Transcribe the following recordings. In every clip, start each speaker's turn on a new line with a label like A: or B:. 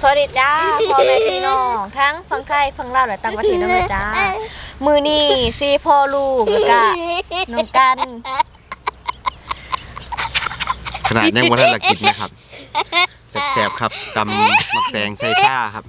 A: สวัสดีจ้าพ่อแม่พี่น้องทั้งฝั่งไทยฝั่งลาวและต่างประเทศด้วยจ้ามือนี่ซีพ่อลูกแล้วก็น้องกัน
B: ขนาดยังวัฒนกิจนะครับแสบๆครับตำมักแตงใส่ซ่าครับ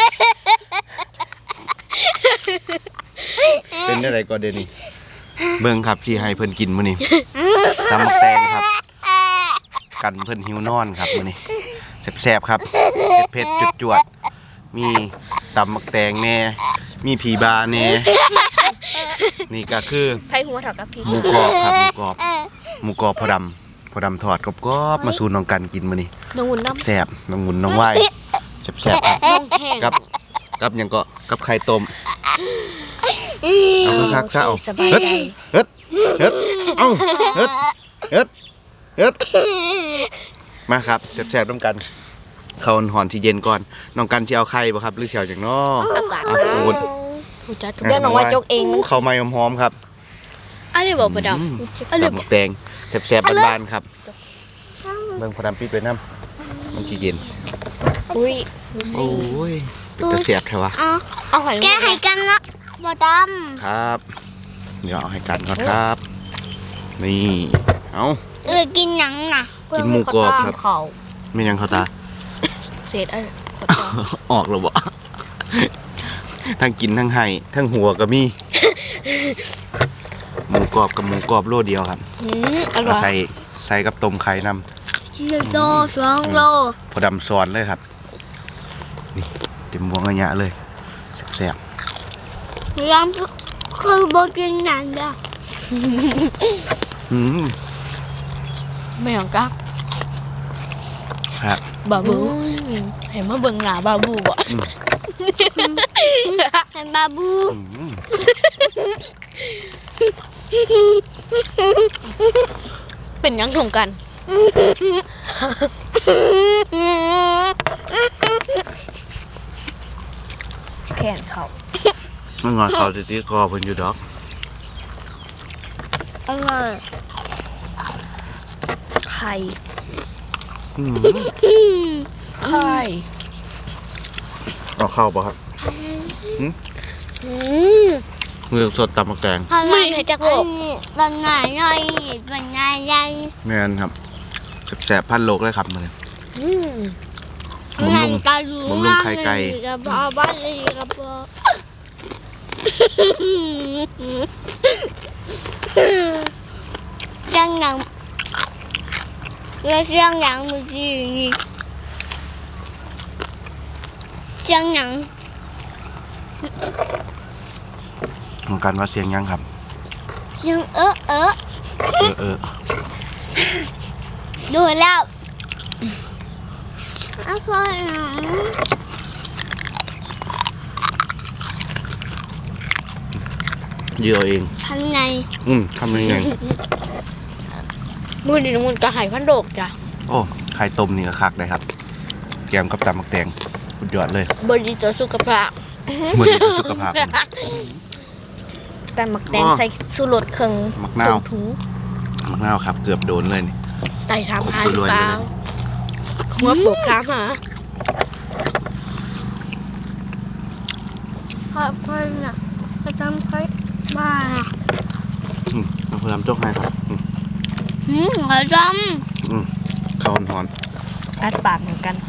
B: เป็นอะไรก็เดนี่เบิ่งครับที่ให้เพิ่นกินมื้อนี้ตำมักแตงครับกันเพิ่นหิวนอนครับมื้อนี้แสบๆครับเผ็ดๆจวดๆมีตำมักแตงแน่มีผีบาแน่นี่ก็คือ
A: ไผ่หัวเถากับพี่
B: หมูกรอบครับหมูกรอบพอดำทอดกรอบๆมาสู่น้องกันกินมื้อนี้
A: น้องหุ่นน้ำ
B: แซ่บน้องหุ่นน้องไหวแซ่บๆครับ
A: น้องแห้ง
B: กับหยังก็กับไข่ต้มเอาคักๆซะเอา
A: สบาย
B: เฮ็ด
A: ใจ
B: เฮ็ดเฮ็ดเอาเฮ็ดเฮ็ดเฮ็ดมาครับแซ่บๆร่วมกันเข้าหอนที่เย็นก่อนน้องกันสิเอาไข่บ่ครับหรือสิเอาจังน้อ
A: อากาศ
B: เอาอุ่น
A: ผู้จัดเดี๋ยวน้องว่าจกเองมัน
B: เข้าไม้หอมๆครับ
A: อันนี้บอกประดำอันนี้
B: ตำบักแตงแซ่บๆบ้านๆครับเบิ่งพอดำปิดไว้นำมันสิเย็น
A: อุ้ยดูสิ
B: โอ้ยเป็นตาแซ่บแท้วะ
A: เอาหอย
C: แกให้กันละบ่ด
B: ครับเดี๋ยวเอาให้กันก่อนครับนี่เอา
C: ำกินหนังน่ะ
B: กินหมูกรอบครับ
A: เขา
B: ไม่ยังเข้าตา
A: เศษอะไรขอตาม
B: ออกแล้วบ่ทั้งกินทั้งให้ทั้งหัวก็มีหมูกรอบกับหมูกรอบโลเดียวครับ
A: อร่
B: เอา
A: อย
B: ใส่กับต้มไข่น้
C: โล2 โล
B: ำพอดำซอนเลยครับนี่เต็มวงกระยะเลยแซ่บ
C: ยังคือบ่กินหนังจ้ะ
B: ๆ
A: ไม่เอากัก
B: ครับ
A: บาบูเห็นมาเบิ่งหน้าบาบูบ่
C: เป็นบาบู
B: อืม
A: เป็นยังถงกันแขนเขา
B: มันงอนเขาติดคอเพิ่นอยู่ดอก
C: อร่อย
A: ไข่
B: อืม
A: ไข่
B: เอาเข้าป่ะครับ
A: อืม
B: มือสดตำมักแตง
A: ไม่ให้จักโลก
C: ตอนไหนหน่อยตอนไหนใหญ่
B: แม่นครับแซ่บๆพันโลกเลยครับมื้อนี้
A: อืม
B: บำรุง
C: กระดู
B: บำรุงไข่ไก่
C: กระเพาะบ้านเลยกระเพาะเสียงหนังแล้วเสียงหนังมันสิอย่างนี้เสียงหนัง
B: ของกันว่าเสียงยังครับ
C: เสียงเออ ดูแล้วอร่อยนะ
B: เยอะเอง
C: ทำไง
B: ทำยังไง
A: มือดีน้ำมันกระหายพันโดกจ้ะ
B: โอ้ไข่ต้มนี่ก็คักเลยครับแกมกับตำมักแตงสุดยอดเลย
A: บดีต่อสุขภาพ
B: มือดีต่อสุขภาพ
A: แต่หมักแดงใส่สูรสเครื่อง
B: มะนาว
A: ส่งถุง
B: มะนาวครับเกือบโดนเลยนี่
A: ไต่ถามหา
B: ครบ
A: หรือ
B: ถ้วน
A: เปล่า
B: เลย
A: หัวปลูกถามหา
C: ขอบคุณนะจะทำใครบ้า
B: เอาพยายามจกให้ครับ
C: ขอจ
B: ข้าวหอน
A: อัดปากเหมือนกัน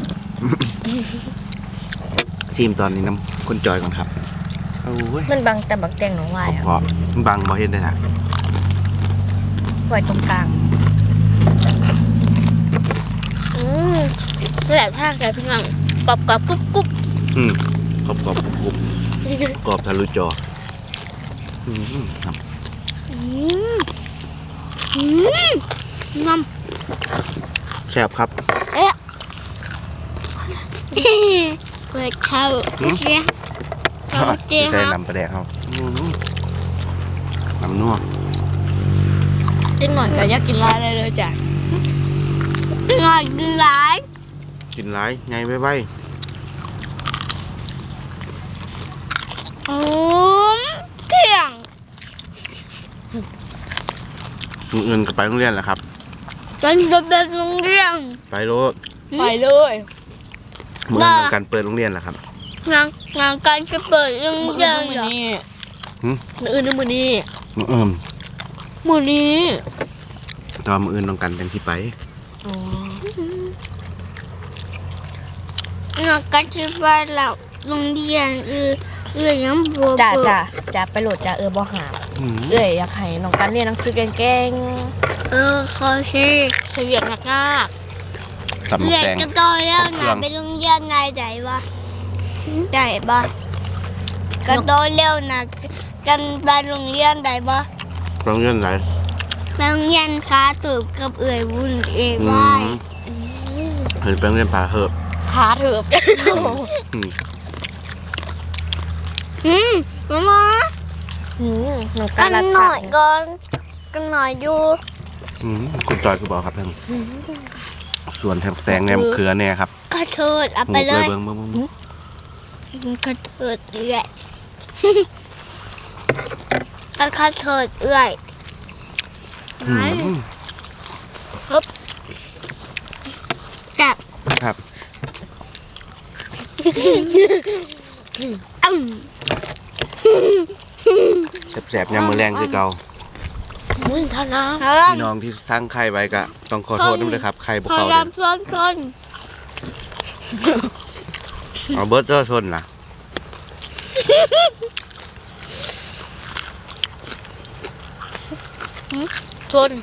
B: ซีมตอนนี้น้ำคนจอยก่อนครับโอ้ย
A: มันบังแต่หมักแดงหนองวาย
B: พอๆบังบ่เห็นได้นะ
A: ไว้ตรงกลางแสบท่าแกพี่งังกรอบกรอบกรุบกรุบ
B: กรอบกรอบกรุบกรอบทะลุจอครับ
C: ำน้
B: แซ่บครับ
C: ำเปิดเข้าเจ๊เข้าเจ๊
B: ใส่
C: ฮะ
B: น้ำปลาแดกเขาน้ำนัว
A: จิ้งหน่อยก็อยากกินร้านเลยจ้ะ
C: หน่อยกินหลาย
B: กินหลายไงไว้
C: เที่ยง
B: มืออื่นก็ไปโรงเรียนแหละครับ
C: จนจะเป็นโรงเรียน
B: ไปโลด
A: ไปเลย
B: เมื่อต้องการเปิดโรงเรียนเหรอครับ
C: งานการจะเปิดเรื่อง
A: มื้อ
C: เดียว
A: มื้
C: เหร
A: อ
C: อ
A: นี้
B: หืม
A: มื้ออื่นมื้อนี้
B: มื้อ
A: มื้อนี้
B: ตอนมื้ออื่นต้องการเป็นที่ไป
A: อ๋อง
C: านการจะไปแล้วโรงเรียนยังบัว
A: จ้าไปโหลดจ้าบ่หาม
B: อืม
A: เอ้ยอยากให้น้องกันเรียนหนังสือเก่ง
C: ขอชื่อ
A: ๆเรียนยาก
B: ตำบัก
C: เรียน
B: แตง
C: จะโตแล้วไหนไปโรงเรียนไหนไหนวะไหนบ้างก็โตแล้วนะกันไปโรงเรียนไหนบ้าง
B: โรงเรียนไหน
C: ไปโรงเรียนค้าตูบกับเอ่ยวุ่นเอ๋ย
B: อื
C: ว่าย
B: มเห็นไปโรงเรียนผาเหิบ
A: ๆขาเถิบ
B: อืม
C: มา
A: น้องกั
C: กัน น
A: รัก
C: หน่
A: ษา
C: อยก่อนกันหน่อยอยู่
B: อืมคุณจอยคือบอกครับท่านส่วนแถมแตงแหนมเขือเนี่ยครับ
C: กระเทิดเอาไปเลย
B: เบิ่ง
C: กระเทิดเอื่อยกระเทิดเอื่อย
B: อืม
C: จับ
B: ครับ แสบๆยามมื้อแรงคือเก่า
A: มื้อเท่านั้น
B: พี่น้องที่สร้างไข่ไว้ก็ต้องขอโทษด้วยนะครับไข่บ่
C: พ
B: เข้า
C: อ
B: เด้อ
C: รำซ้อนคน
B: เอาเบิร์ดเตอร์ชนล่ะ
A: ทน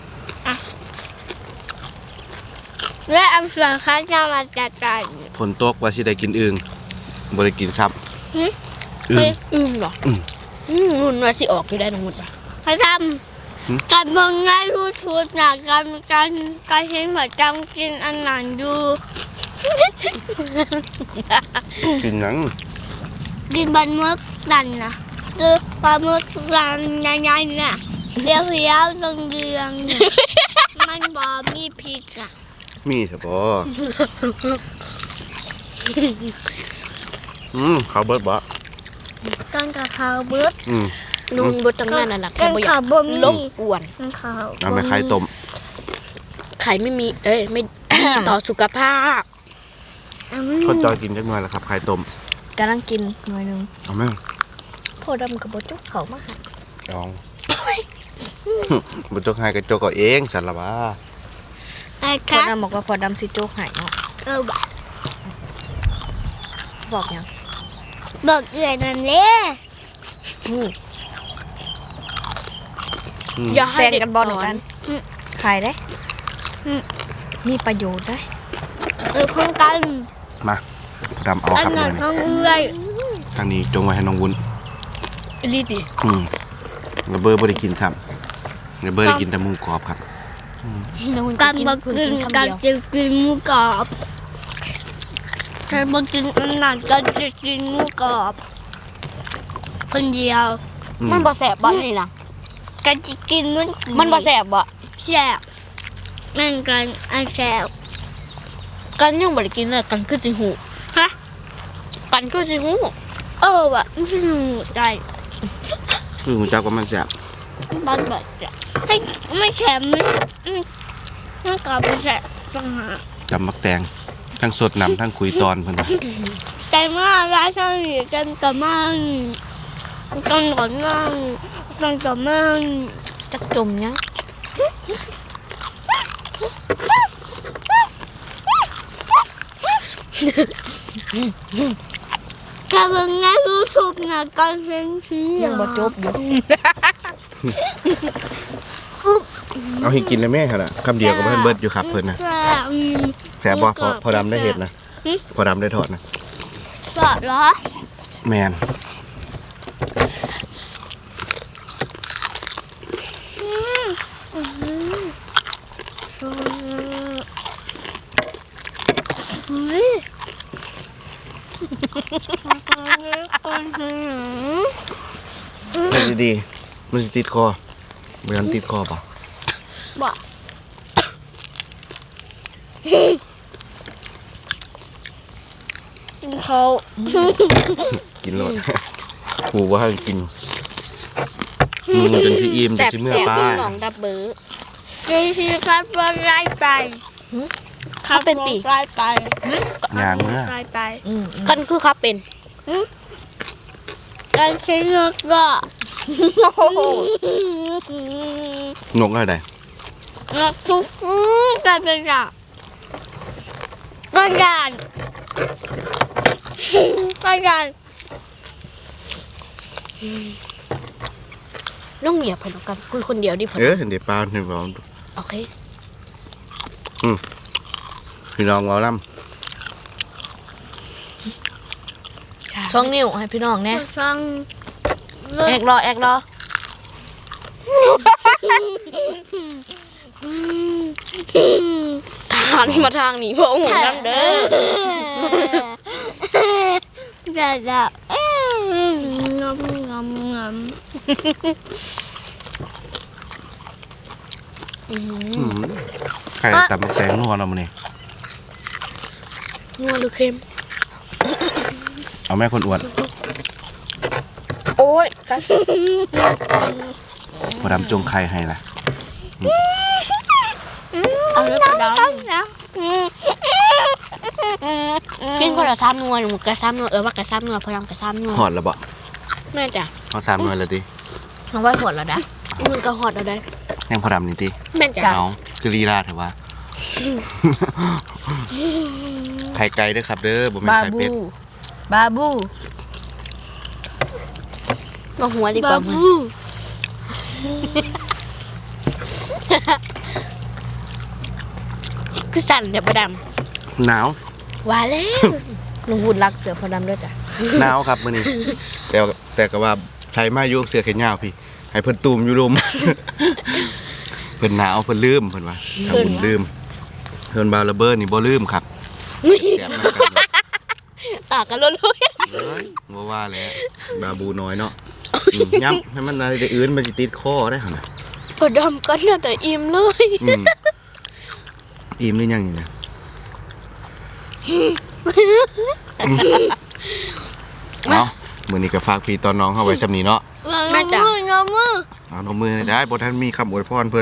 C: และอันส่วนข้าจะมาจัดการ
B: ฝนตกว่าสิได้กินอึ่งบ่ได้กินซับ
C: หึ
B: อึ่ง
A: อึ้งเหรอ
B: อืม
A: นุ่นว่าสิออกอยู่ได้น้องมุดป่ะ
C: เขาทำการมองง่ายรู้ชุดนะการเห็นหัวจำกินอันหนังดู
B: กินหยัง
C: กินบะหมึกดันนะคือปลาหมึกดันใหญ่ๆน่ะเรียวๆเรืองๆเนี่ยมันบอมีพริกอ่ะ
B: มีซะบ่เขาเบิร์ดบ่
C: ต้นกะเพราเบิด
A: นุ่นบ่ต้องงานนั่นล่ะแค่บ่อยาก
C: บ่มี
A: ลบกวน
C: ต้นข้าว
B: เอาไปไข่ต้ม
A: ไข่ไม่มี ไม่ ดีต่อสุขภาพ
B: คนจอยกินจักหน่อยล่ะครับไข่ต้ม
A: กำลังกินหน่อยนึง
B: เอาไหม
A: พอดำกับบ่จุกเขามาค่ะ
B: ลองบ่จกให้ก็จกเอาเองสั่นล่ะว่า
C: ไอ้
A: พ
C: ค
A: อ
C: รับ
A: ดำบอกว่าพอดำสิโจกหายเนาะ
C: บ่ะ
A: บอกหยัง
C: บอกเอื่อยนั่นแหละ
A: อย่าให้เด็กกันบอลเหมือนกันขายได้มีประโยชน์ได้
C: ของกัน
B: มาดำเอา
C: อัน
B: ครับ
C: นั้น
B: มื้อ
C: ข
B: นี้
C: องเอื่อย
B: ทางนี้จงไว้ให้น้องวุ้น
A: รีดิ
B: ระเบิดบ่ได้กินครับระเบิดได้กินแต่หมูกรอบครับ
A: น้องมุด
C: กัน
A: กิน
C: บอก
A: คุณ
C: กิน
A: กินคำ
C: กัน
A: เดียว
C: จะกินหมูกรอบแต่บอกกินอันนั้นก็จะกินหมูกรอบคนเดียว
A: มันบ่แสบบ่นี่นะ
C: กันจะกินมัน
A: มันบ่แสบบ่
C: แซ่บนั่นกันอันแซ่บ
A: กันยังบ่ได้กินเลยกันคือสิหู
C: ฮะ
A: กันคือสิหู
C: ว่ะไม่ใช่หมูใจ
B: คือหูจักว่ามันแซ่บ
C: บ้านแบบจะไม่แข็งมันกรอบไปแซ่บต่างหาก
B: จำมักแตงทั้งสดน้ำทั้งคุยตอนเพิ่นว่า
C: ใจมากร้านช่างหนีกันกับมันกันก่อนนั่งกันกับมัน
A: จักจมยัง
C: กับเบิ่งง่ายรู้สึกนะกันเห็นสี
A: ยังบ่จบอยู่
B: เอาให้กินแล้วแม่ครับคำเดียวก็เพิ่นเบิดอยู่ครับเพิ่นนะ
C: แซ่บ
B: แซ่บบ่พอดำได้เห็ดนะพอดำได้ทอดนะ
C: แซ่บเหรอ
B: แมน
C: เฮ้ย
B: ให้ดีๆมันสิติดคอบ่ยันติดคอป่ะ
C: บ่เขา
B: กินโลด หูว่าให้กินจนสิอิ่มจนสิเมื่อป้า
A: หนองดับเบิร์
C: กินทีครับว่าไล่ไป
A: ข
D: เขาเป็นตี
C: ใกล้ไป
B: ยางเมื่อ
C: ใกล้ไป
D: กันคือเขาเป็น
C: การใช้นกก็
B: นกอะไร
C: นกทุกการเป็นอย่างก็ยานก็ยาน
D: น้องเหยียบไปแล้วกันคุยคนเดียวดิผม
B: เห็นเดี๋ยวปลาเห็นเปล่า
D: โอเค
B: พี่น้องเราล่
A: ช่องนิ้วให้พี่น้องแน่
C: สั่ง
A: แอกรอแอกรอ
D: ทานมาทางนี้พวกหูน้ำเด้อ
C: จะงมงมงม
B: ไข่ตำแตงนัวเรามาเนี่ย
D: นัวหรือเค็ม
B: เอาแม่คนอ้วน
D: โอ้ยกัน
B: พอดำจงไข่ให้ล่ะ
D: เอาเลยไปด
C: นะ
D: ำกินคนละซ้ำนัวหนูกระซ้ำนัวว่ากระซ้ำนัวพลังกระซ้ำนัว
B: หอดแล้วบ่
D: แม่จ้ะ
B: เอาสามหน่วยเลยดิ
A: น้องไว้หัวแล้วนะ
D: มันก็หอดเอาได้
B: ยังพอดำนี่ดิ
D: แม่จ้ะ
B: เอาคือลีลาเถอะวะไข่ไก่ด้วยครับเด้อบ่แม่น
A: บา
B: ไข่
A: บู
B: เป็ด
A: บาบู
D: มาหัวดีก
C: บา
D: ว่ามึง
C: บู
D: คือสั่นเดี๋ยวประด
B: หนาว
D: ำว่าแล้ว
A: ลุงหุ่นรักเสือพอดำด้วยจ้ะ
B: หนาวครับมื้อนี้แต่ก็ว่าใช้มาอยู่เสื้อแขนยาวพี่ให้เพิ่นตูมอยู่ลม เพิ่นหนาวเพิ่นลืมเพิ่นว่าทำบุญลืมเพิ่นบาวระเบิดนี่บ่ลืมครับแซ่บๆนำกันเนาะ
D: กันลุ้น
B: เอ้ยบ่ว่าแล้วบาบูน้อยเนาะย้ำให้มันอะไรได้อื่นมันสิติดคอได้หั่นน่ะ
D: ประดำกันน่ะแต่อิ่มเลย
B: อิ่มหรือยังนี่นะเอามื้อนี้ก็ฝากพี่ตอนน้องเข้าไว้ซำนี้เนาะ
C: งอมือ
B: เอานมมือได้บ่ทันมีคำอวยพรเพิ่น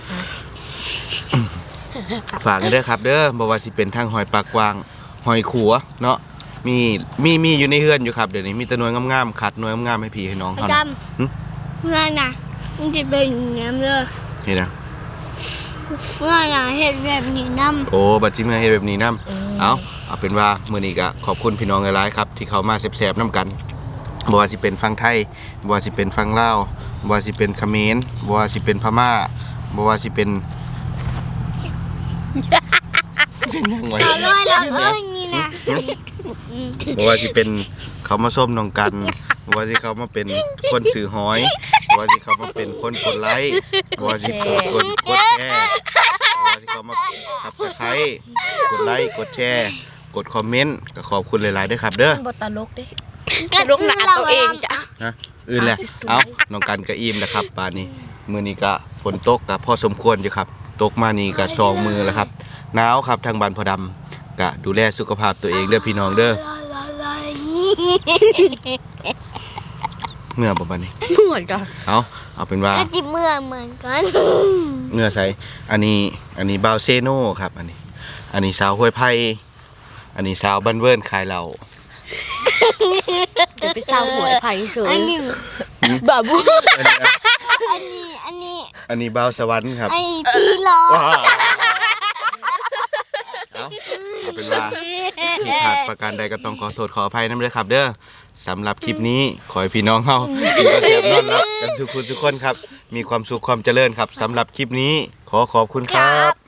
B: ฝากกันเด้อครับเด้อบ่ว่าสิเป็นทางหอยปากกวางหอยขัวเนาะมีอยู่ในเฮือนอยู่ครับเดี๋ยวนี้มีแต่หน่วยงามๆขัดหน่วยงามๆให้พี่ให้น้อง
C: ไอ้
B: เฮา
C: ด
B: นะ
C: ำงานน่ะมันจะเป็นอย่างนี้เลย
B: เฮ็ดนะ
C: งานน่ะเห็ดแบบนี้น้ำ
B: โอ้บัดสิมาเฮ็ดแบบนี้นํเอาเป็นว่ามื้อนี้ก็ขอบคุณพี่น้องหลายๆครับที่เขามาแซ่บๆนํกันบ่ว่าสิเป็นฝั่งไทยบ่ว่าสิเป็นฝั่งลาวบ่ว่าสิเป็นเขมรบ่ว่าสิเป็นพม่าบ่ว่าสิเป็นเป็นยังไง
C: เรานี่นะ
B: บ่ว่าสิเป็นเขามาส้มน้องกันบ่ว่าสิเขามาเป็นคนสื่อหอยบ่ว่าสิเขามาเป็นคนกดไลค์บ่ว่าสิกดแชร์บ่ว่าสิเขามาทับตะไคร้กดไลค์กดแชร์กดคอมเมนต์ก็ขอบคุณหลายๆด้วยครับเด้อ
A: บทตลกเด้
D: กระลุกหนาตัวเองจ้ะ
B: นะอื่นแหละเอ้าน้องกันก็อิ่มแล้วครับป่านนี้มื้อนี้ก็ฝนตกก็พอสมควรอยู่ครับตกมานี่ก็2 มือแล้วครับหนาวครับทางบ้านพ่อดำก็ดูแลสุขภาพตัวเองเด้อพี่น้องเด้อเมื่อประมาณนี้
D: เหมือนจ้ะ
B: เอาเป็นว่า
C: ก็จิเมื่อเหมือนกัน
B: เนื้อใสอันนี้บาวเซโน่ครับอันนี้สาวห้วยไผ่อันนี้สาวบ้านเวิร์นขายเหล้า
D: จะไปเศร้าหัวไผ่เฉย
C: อันนี้
D: บาบู
C: อันนี้
B: บาวสวรรค์ครับ
C: อันนี้พี่ล้อ
B: เอาเป็นว่าผิดพลาดประการใดก็ต้องขอโทษขออภัยนำด้วยครับเด้อสำหรับคลิปนี้ขอให้พี่น้องเฮาอยู่กับแซ่บนอนรับกันทุกคนครับมีความสุขความเจริญครับสำหรับคลิปนี้ขอขอบคุณครับ